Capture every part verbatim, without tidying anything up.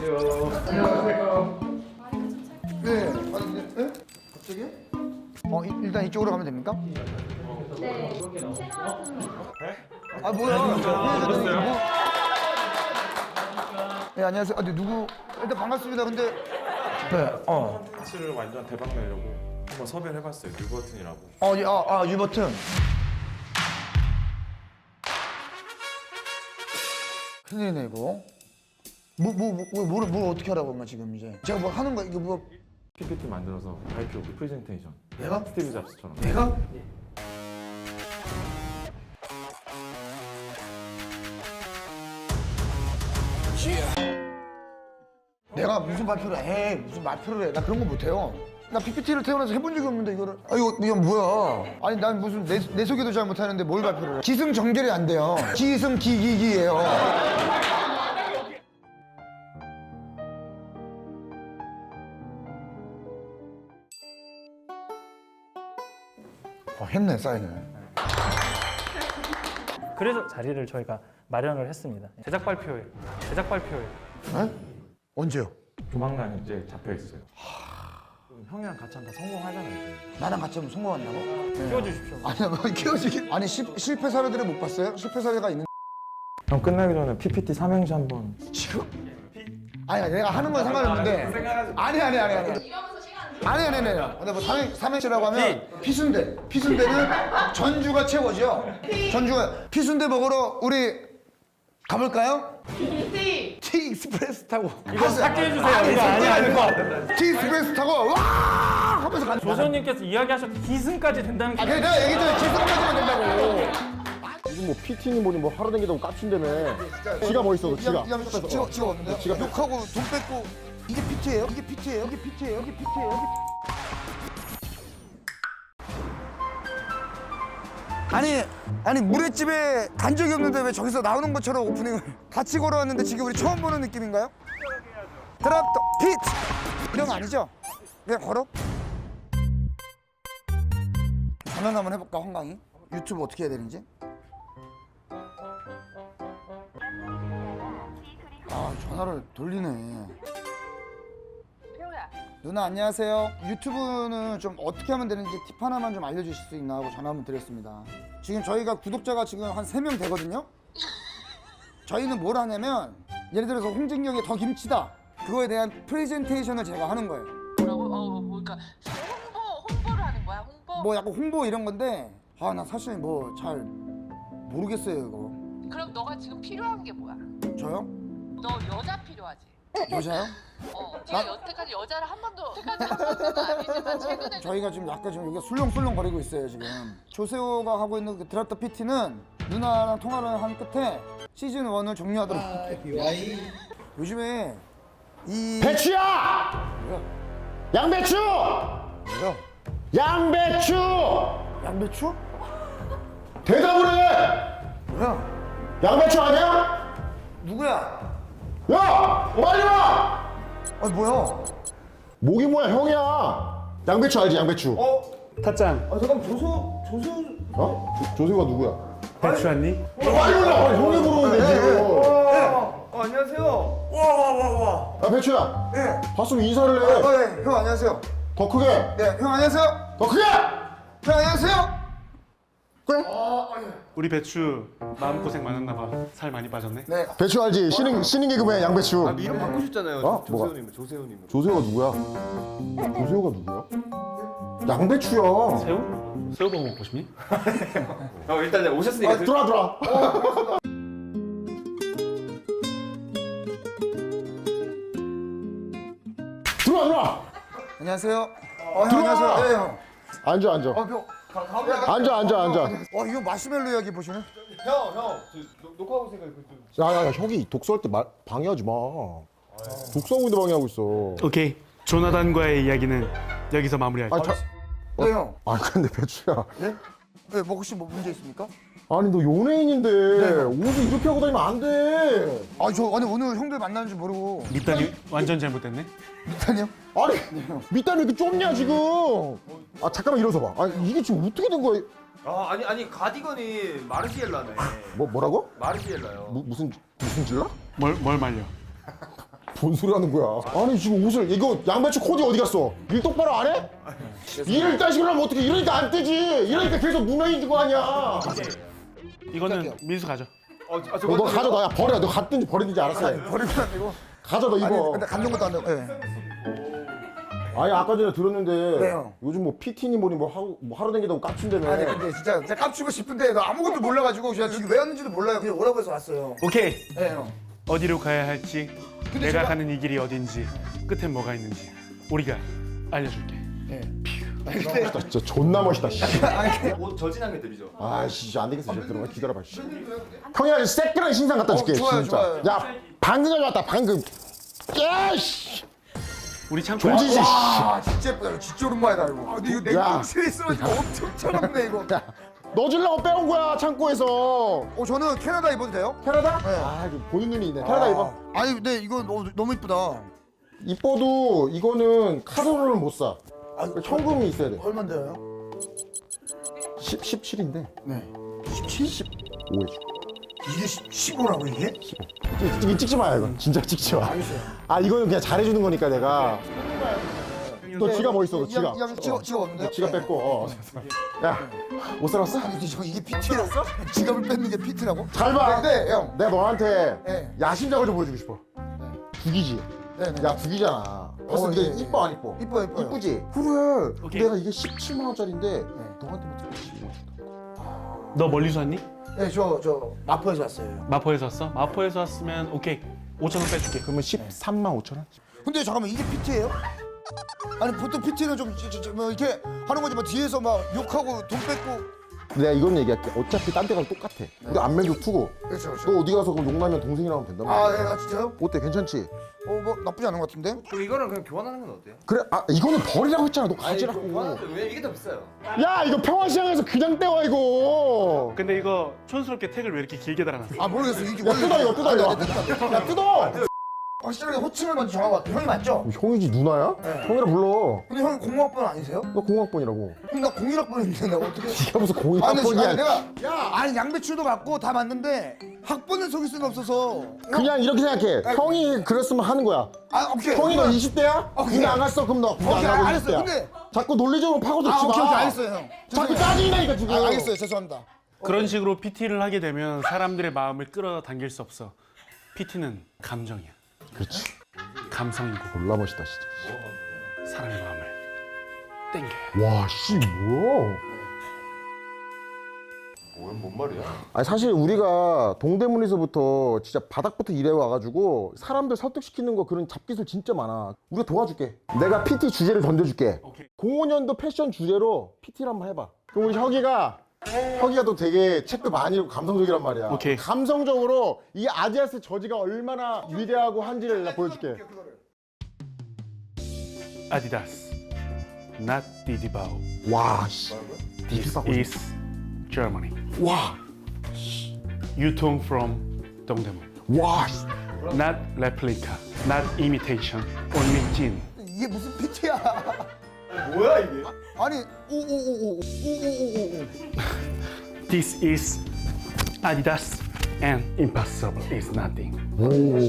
안녕하세요. 안녕하세요. 네. 아니, 네? 네? 갑자기요? 어, 이, 일단 이쪽으로 가면 됩니까? 네. 채널은 아, 뭐야? 네, 네, 안녕하세요. 아, 근데 누구? 일단 반갑습니다. 근데 네, 어, 피치를 완전 대박 내려고 한번 섭외를 해봤어요. 뉴버튼이라고. 어, 예, 아, 아, 유버튼. 큰일이네 이거. 뭐, 뭐, 뭐, 뭐, 뭘, 뭘 어떻게 하라고 엄마 지금 이제? 제가 뭐 하는 거 이거 뭐? 피피티 만들어서 발표, 프레젠테이션. 내가? 스티브 잡스처럼. 내가? 내가 무슨 발표를 해? 무슨 발표를 해? 나 그런 거 못해요. 나 피피티를 태어나서 해본 적이 없는데 이거를. 아 이거 이거 뭐야? 아니 난 무슨 내, 내 소개도 잘 못하는데 뭘 발표를 해? 기승전결이 안 돼요. 기승기기기예요. 어, 했네 사인을. 그래서 자리를 저희가 마련을 했습니다. 제작 발표회, 제작 발표회. 에? 언제요? 조만간 이제 잡혀 있어요. 그럼 형이랑 같이 한번 성공하잖아요. 이제. 나랑 같이 하면 성공한다고? 네. 키워주십시오. 아니야 뭐 키워주기. 아니 시, 실패 사례들을 못 봤어요? 실패 사례가 있는. 형 끝나기 전에 피피티 삼행시 한번. 지금? 아니 내가 하는 건 상관없는데. 아니 아니 아니 아니. 이러면서 시간 아니 아니 아니. 근데 뭐 삼행 삼행시라고 하면 피순대. 피순대는 전주가 최고죠. 전주가 피순대 먹으러 우리 가볼까요? 티 티 익스프레스 타고. 이거 삭제해 주세요. 이거 아니야 이거. 티 익스프레스 타고 와 하면서 가는. 조선님께서 이야기하셨 기승까지 된다는 아 게 그래 내가 얘기했잖아. 기승까지만 된다고. 지금 뭐 피티니 뭐니 뭐 하루 댕기다고 깝친다며. 지가 뭐 있어, 지가. 지가 지가 없는데. 지가 욕하고 돈 뺏고 이게 피티예요? 이게 피티예요? 이게 피티예요? 이게 피티예요? 이게 아니 아니 물회집에 간 적이 없는데 왜 저기서 나오는 것처럼 오프닝을 같이 걸어왔는데 지금 우리 처음 보는 느낌인가요? 드랍 더 피트 이런 거 아니죠? 그냥 걸어? 전화 한번 해볼까 황강이? 유튜브 어떻게 해야 되는지? 아 전화를 돌리네. 표야. 누나 안녕하세요. 유튜브는 좀 어떻게 하면 되는지 팁 하나만 좀 알려주실 수 있나 하고 전화 한번 드렸습니다. 지금 저희가 구독자가 지금 한 세 명 되거든요. 저희는 뭘 하냐면 예를 들어서 홍진경의 더 김치다 그거에 대한 프레젠테이션을 제가 하는 거예요. 뭐라고? 어, 뭐, 그러니까 홍보, 홍보를 하는 거야, 홍보? 뭐 약간 홍보 이런 건데 아 나 사실 뭐 잘 모르겠어요 이거. 그럼 너가 지금 필요한 게 뭐야? 저요? 너 여자 필요하지? 여자요? 어, 제가 여태까지 여자를 한 번도, 여태까지 한 번도는 아니지만 최근에 저희가 지금 약간 지금 여기가 술렁술렁 거리고 있어요 지금. 조세호가 하고 있는 그 드랍 더 피티는 누나랑 통화를 한 끝에 시즌 일을 종료하도록 할게요. 요즘에 이 배추야! 뭐야? 양배추! 뭐야? 양배추! 양배추? 대답을 해! 뭐야? 양배추 아니야? 누구야? 야! 빨리 와! 아니 뭐야? 목이 뭐야, 형이야! 양배추 알지, 양배추? 어? 타짱 아 잠깐 조소 조소 어? 조, 조세호가 누구야? 배추 왔니? 빨리 올라! 형이 부르는데, 지금. 어, 안녕하세요. 와 와 와 와. 야, 배추야! 네. 봤으면 인사를 해! 어, 네. 형 안녕하세요. 더 크게! 네, 형 안녕하세요. 더 크게! 형 안녕하세요. 그래? 우리 배추 마음고생 많았나 봐살 많이 빠졌네. 네. 배추 알지? 신인, 신인 개그맨 양배추. 아, 이름 바꾸셨잖아요. 어? 조세호님, 조세호님. 조세호가 누구야? 조세호가 누구야? 양배추야. 새우? 새우 버거 먹고 싶니? 어, 일단 오셨으니까. 아, 들어와, 들어와. 들어와, 들어와. 안녕하세요. 어, 형 안녕하세요. 네, 형. 앉아, 앉아. 어, 형. 가, 가, 앉아, 앉아, 앉아. 와, 이거 마시멜로 이야기 보시네. 형, 형. 저, 녹- 녹화하고 있으니까 그 좀. 야, 야, 야, 형이 독서할 때 말, 방해하지 마. 독서하고 있는데 방해하고 있어. 오케이. 조나단과의 이야기는 여기서 마무리할게. 아, 자, 네, 형. 아, 근데 배추야. 네? 네, 뭐 혹시 뭐 문제 있습니까? 아니, 너 연예인인데 옷을 이렇게 하고 다니면 안 돼. 아, 저 아니 오늘 형들 만나는 줄 모르고. 밑단이 완전 잘못됐네. 미탄이요? 아니, 밑단이 왜 이렇게 좁냐, 지금. 아, 잠깐만 일어서 봐. 아, 이게 지금 어떻게 된 거야? 아, 아니, 아니, 가디건이 마르시엘라네. 뭐, 뭐라고? 마르시엘라요. 무, 무슨, 무슨 질라? 뭘, 뭘 말려? 뭔 소리 하는 거야? 아니 지금 옷을 이거 양배추 코디 어디 갔어? 일 똑바로 안 해? 일을 이딴 식으로 하면 어떻게 이러니까 안 뜨지? 이러니까 계속 무명인 거 아니야? 이거는 민수 가져. 어, 아, 너, 저거 너 가져 너 야 버려 너 갔든지 버리든지 알았어. 버리면 안 되고. 가져 너 아니 입어. 근데 감정 것도 안 되고. 예. 아니 아까 전에 들었는데 왜요? 요즘 뭐 피티니 뭐니 뭐 하루 뭐 하루 댕기다고 깝친다며. 아니 근데 진짜 제가 깝치고 싶은데 나 아무것도 몰라가지고 제가 지금 왜 왔는지도 몰라요. 그냥 오라고 해서 왔어요. 오케이. 예 형. 어디로 가야 할지, 내가 제가- 가는 이 길이 어딘지, 끝엔 뭐가 있는지 우리가 알려줄게. 예. 멋있다, 진짜 존나 멋있다. 씨. 옷 저진한 게 들이죠. 아씨 안 되겠어 이제 들어가 기다려봐. 씨. 형이 아주 새끼랑 신상 갖다 줄게 어, 좋아요, 진짜. 좋아요. 야 방금 전에 왔다 방금. 야씨. 우리 창고에 조지지. 와 진짜 예쁘다. 이거 진짜 오랜만이다 이거. 아, 근데 이거 야. 냉동실에 있어가지고 엄청 차갑네 이거. 너 주려고 빼온 거야 창고에서. 어 저는 캐나다 입어도 돼요? 캐나다? 네. 아 이거 보는 눈이 있네. 캐나다 입어. 아니 근데 이거 너무, 너무 이쁘다. 이뻐도 이거는 카드로는 못 사. 아, 현금이 있어야 돼. 얼마인데요? 십, 십칠인데 네. 십칠? 십오 해줘. 이게 십오라고 이게? 이거 찍지 마요 이건. 진짜 찍지 마. 알겠어요. 아 이거는 그냥 잘해주는 거니까 내가. 너 지갑 어디 있어? 너 지갑. 이, 이, 이, 지갑 지갑 없는데? 너 지갑 뺐고. 어. 야, 옷 사놨어? 아니 저 이게 피티라고? 지갑을 뺏는 게 피티라고? 잘 봐. 네, 네, 형. 내가 너한테 네. 야심작을 좀 보여주고 싶어. 죽이지. 네, 네. 야 죽이잖아. 봤을 어, 때 예, 예. 이뻐 안 이뻐? 이뻐 이뻐요. 이쁘지? 그래. 오케이. 내가 이게 십칠만 원짜리인데 너한테만 특별히 십오 만 너 멀리서 왔니? 네, 저 저 마포에서 왔어요. 마포에서 왔어? 마포에서 왔으면 오케이. 오천 원 빼줄게. 그러면 십삼만 오천 원? 근데 잠깐만 이게 피티예요? 아니 보통 피티는 좀 뭐 이렇게 하는 거지 뭐 뒤에서 막 욕하고 돈 뺏고. 내가 이건 얘기할게. 어차피 딴 데 가서 똑같아. 우리 안면도 투고. 그렇죠, 그렇죠. 너 어디 가서 그럼 욕나면 동생이랑 하면 된단 말이야. 아, 예, 아 진짜요? 어때? 괜찮지? 어, 뭐 나쁘지 않은 것 같은데? 그럼 이거는 그냥 교환하는 건 어때요? 그래. 아 이거는 버리라고 했잖아. 너 가지라고. 교환하는데 왜 이게 더 비싸요? 야 이거 평화시장에서 그냥 떼와 이거. 근데 이거 촌스럽게 택을 왜 이렇게 길게 달아놨어? 아 모르겠어. 이게 야 뜯어 이거 뜯어 이거. 아, 네, 네, 네. 야 뜯어. 확실하게 호칭을 먼저 정하고 왔다. 형이 맞죠? 형이지 누나야? 형이라 불러. 근데 형이 공학번 아니세요? 너 공학번이라고. 그럼 나 공일 학번인데 내가 어떻게? 네가 무슨 아니, 아니 공학번이야. 내가 야 아니 양배추도 맞고 다 맞는데 학번을 속일 수는 없어서. 형, 그냥 이렇게 생각해. 형이 그랬으면 하는 거야. 아 오케이. 형이 너 그러면- 이십 대야? 오케이. 군대 안 갔어? 그럼 너 군대 안 오케이, 가고 알았어요. 이십 대야. 근데- 자꾸 논리적으로 파고들지 아 마. 오케이 오케이 알겠어요 형. 자꾸 죄송해요. 짜증나니까 지금. 아, 알겠어요 죄송합니다. 그런 식으로 피티를 하게 되면 사람들의 마음을 끌어당길 수 없어. 피티는 감정이야. 그렇지. 감성이고 졸라 멋있다 진짜. 사람의 마음을 땡겨요. 와, 씨, 뭐야? 뭐야, 뭔 말이야? 아니, 사실 우리가 동대문에서부터 진짜 바닥부터 일해 와가지고 사람들 설득시키는 거 그런 잡기술 진짜 많아. 우리가 도와줄게. 내가 피티 주제를 던져줄게. 오케이. 공오 년도 패션 주제로 피티를 한번 해봐. 그럼 우리 혁이가 혁이가 또 되게 책도 많이 읽고 감성적이란 말이야. 오케이. 감성적으로 이 아디다스 저지가 얼마나 위대하고 한지를 나 보여줄게. 아디다스, not 디디바오. 와, 씨. This is Germany. 와, 유통 from 동대문. 와, 씨. Not replica, not imitation, only 진. 이게 무슨 피티야? 뭐야 이게? 아니 오오오오오오오오. This is Adidas and impossible is nothing. 오.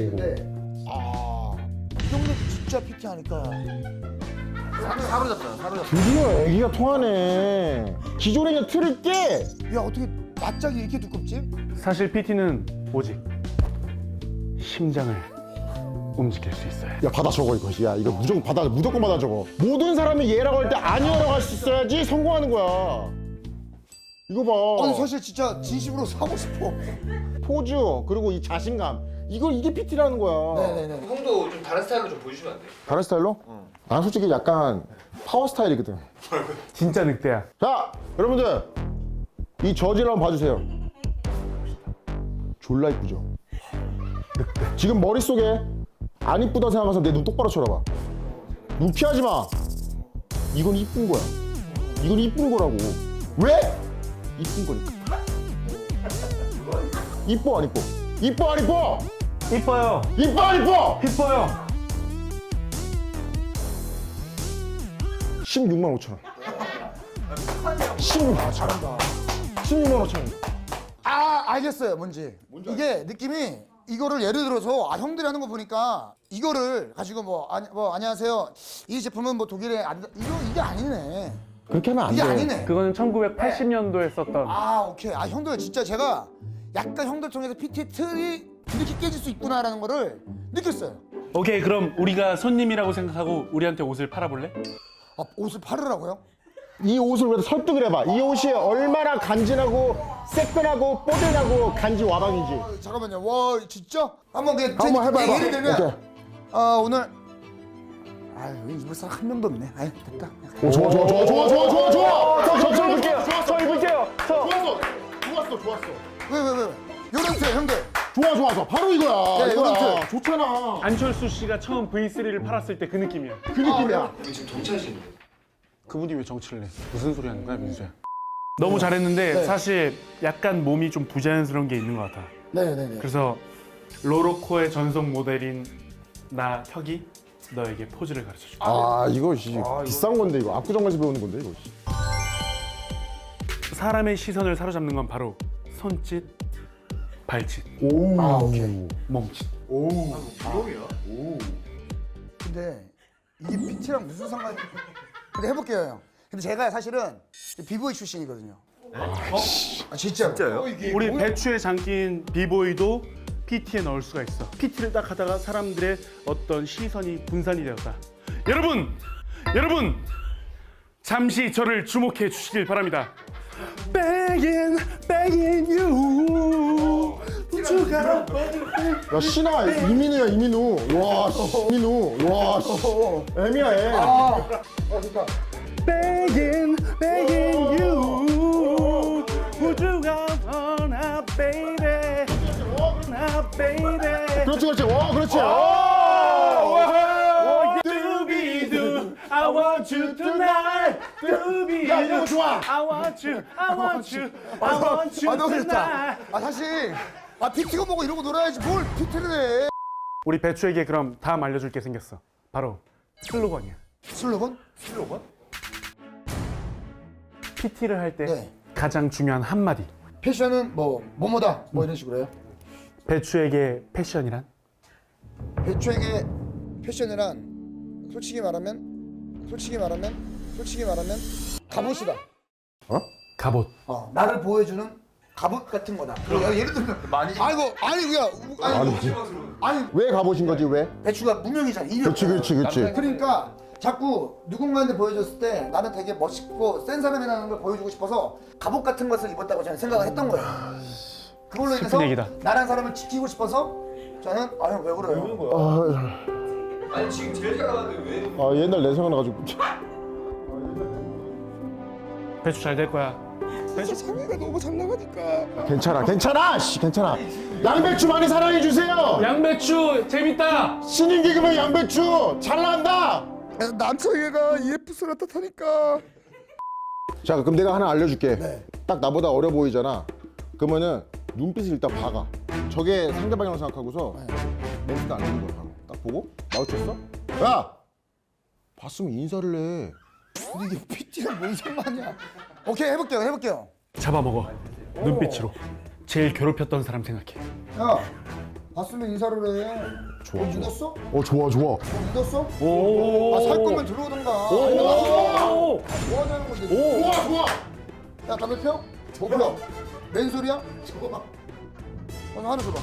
아, 이 정도 진짜 피티 하니까. 사로잡잖아, 사로잡. 드디어 애기가 통하네. 기존에 있는 틀을 깨. 야 어떻게 납작이 이렇게 두껍지? 사실 피티는 오직 심장을 움직일 수 있어요. 야 받아 적어 이거. 야 이거 무조건 받아 무조건 받아 적어. 모든 사람이 얘라고 할 때 아니오라고 할 수 있어야지 성공하는 거야. 이거 봐. 아니 사실 진짜 진심으로 사고 싶어. 포즈 그리고 이 자신감. 이거 이게 피티라는 거야. 네네네. 형도 좀 다른 스타일로 좀 보여주시면 안 돼요? 다른 스타일로? 난 솔직히 약간 파워 스타일이거든. 진짜 늑대야. 자 여러분들 이 저지를 한번 봐주세요. 졸라 이쁘죠? 지금 머릿속에 안 이쁘다 생각해서 내 눈 똑바로 쳐다봐. 눈 피하지 마. 이건 이쁜 거야. 이건 이쁜 거라고. 왜? 이쁜 거니까. 이뻐 안 이뻐? 이뻐 안 이뻐? 이뻐요. 이뻐 안 이뻐? 이뻐요. 십육만 오천 원. 십육만 오천 원. 십육만 오천 원. 아 알겠어요 뭔지. 이게 느낌이 이거를 예를 들어서 아 형들이 하는 거 보니까 이거를 가지고 뭐, 아니, 뭐 안녕하세요 이 제품은 뭐 독일에 안 이거 이게 아니네. 그렇게 하면 안 이게 돼. 아니네. 그거는 천구백팔십 년도에 썼던 아 오케이. 아 형들 진짜 제가 약간 형들 통해서 피티의 틀이 이렇게 깨질 수 있구나라는 거를 느꼈어요. 오케이 그럼 우리가 손님이라고 생각하고 우리한테 옷을 팔아볼래? 아 옷을 팔으라고요? 이 옷을 그래도 설득을 해봐. 이 옷이 얼마나 간지나고 새끈하고 뽀들하고 간지 와방이지. 어, 잠깐만요. 와 진짜? 한번 그냥 한번 해봐, 해봐. 예를 들면 오케이. 아 오늘 아유 입을 사람 한 명도 없네. 아유 됐다. 오, 좋아, 좋아, 좋아, 좋아, 좋아, 좋아, 좋아. 저, 저, 저 입을게요. 저 입을게요. 저. 좋았어, 좋았어, 좋았어. 왜 왜 왜? 요런 틀 형들. 좋아, 좋아, 좋아. 바로 이거야. 네, 이거야. 이건 좋잖아. 안철수 씨가 처음 브이 쓰리를 팔았을 때 그 느낌이야. 그 느낌이야. 지금 정치하시는 그분이 왜 정치를 해? 무슨 소리 하는 거야 민수야? 너무 잘했는데 사실 약간 몸이 좀 부자연스러운 게 있는 것 같아. 네네네. 그래서 로로코의 전속 모델인 나 혁이 너에게 포즈를 가르쳐 줄게. 아, 이거 씨, 비싼 건데 이거. 압구정에서 배우는 건데 이거. 씨. 사람의 시선을 사로잡는 건 바로 손짓, 발짓, 오. 아, 오케이. 몸짓. 부록이야. 근데 이게 피티랑 무슨 상관이? 근데 해볼게요 형. 근데 제가 사실은 비보이 출신이거든요. 아 진짜. 진짜요? 우리 배추에 잠긴 비보이도 피티에 넣을 수가 있어. 피티를 딱 하다가 사람들의 어떤 시선이 분산이 되었다. 여러분, 여러분, 잠시 저를 주목해 주시길 바랍니다. Begging, begging you. 우주가 야, 신아, 이민우야, 이민우. 와, 씨, 이민우. 와, 씨. 애미야, 애. 아 좋다. begging, begging you. 우주가 원하, baby, 원하, baby. 그렇지, 그렇지. 와, 그렇지. 두비두, I want you tonight. 두비두, 야, 이거 좋아. I want you, I want you, I want you 아 너무 좋다. tonight. 아 사실 아 피티가 뭐고 이러고 놀아야지 뭘 피티를 해. 우리 배추에게 그럼 다음 알려줄 게 생겼어. 바로 슬로건이야. 슬로건? 피티를 할 때 네. 가장 중요한 한마디. 패션은 뭐 뭐뭐다 뭐 이런 식으로 해요. 배추에게 패션이란? 배추에게 패션이란 솔직히 말하면 솔직히 말하면 솔직히 말하면 갑옷이다. 갑옷. 어, 나를 보여주는 갑옷 같은 거다. 그러니까 예를 들면 많이 아이고 아니 그냥 아니 아니 왜 가보신 거지, 왜? 배추가 무명이잖아. 이름. 그렇지, 그렇지, 그렇지. 그러니까 자꾸 누군가한테 보여줬을 때 나는 되게 멋있고 센 사람이라는 걸 보여주고 싶어서 갑옷 같은 것을 입었다고 저는 생각을 했던 거예요. 그걸로 인해서 슬픈 얘기다. 나란 사람을 지키고 싶어서 저는 아형 왜 그래요? 아, 아니 지금 제일 잘 나가는데 왜? 아, 옛날 내 생각나가지고. 배추 잘 될 거야. 상의가 너무 잘 나가니까. 괜찮아, 괜찮아, 씨, 괜찮아. 양배추 많이 사랑해 주세요. 양배추 재밌다. 신인 개그맨 양배추 잘 나간다. 남성애가 이에프스 같다니까. 자, 그럼 내가 하나 알려줄게. 딱 나보다 어려 보이잖아. 그러면은 눈빛을 일단 박아. 저게 상대방이라고 생각하고서 멘트도 안 하는 거야. 바로. 딱 보고 마주쳤어? 야, 봤으면 인사를 해. 근데 이게 피티랑 뭔 상관이야? 오케이 해볼게요 해볼게요. 잡아먹어. 눈빛으로. 제일 괴롭혔던 사람 생각해. 야 봤으면 인사를 해. 좋아, 어, 좋아. 믿었어? 어, 좋아, 좋아. 어, 믿었어? 오. 아 살 거면 들어오던가. 아니면 나가서 뭐 하자는 건데? 좋아, 좋아. 야 담배 펴? 뭐 펴? 맨소리야? 줘봐. 오늘 하나 줘봐.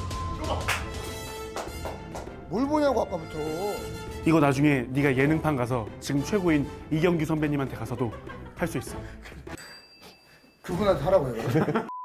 뭘 보냐고 아까부터. 이거 나중에 네가 예능판 가서 지금 최고인 이경규 선배님한테 가서도 할 수 있어. 그분한테 하라고 해.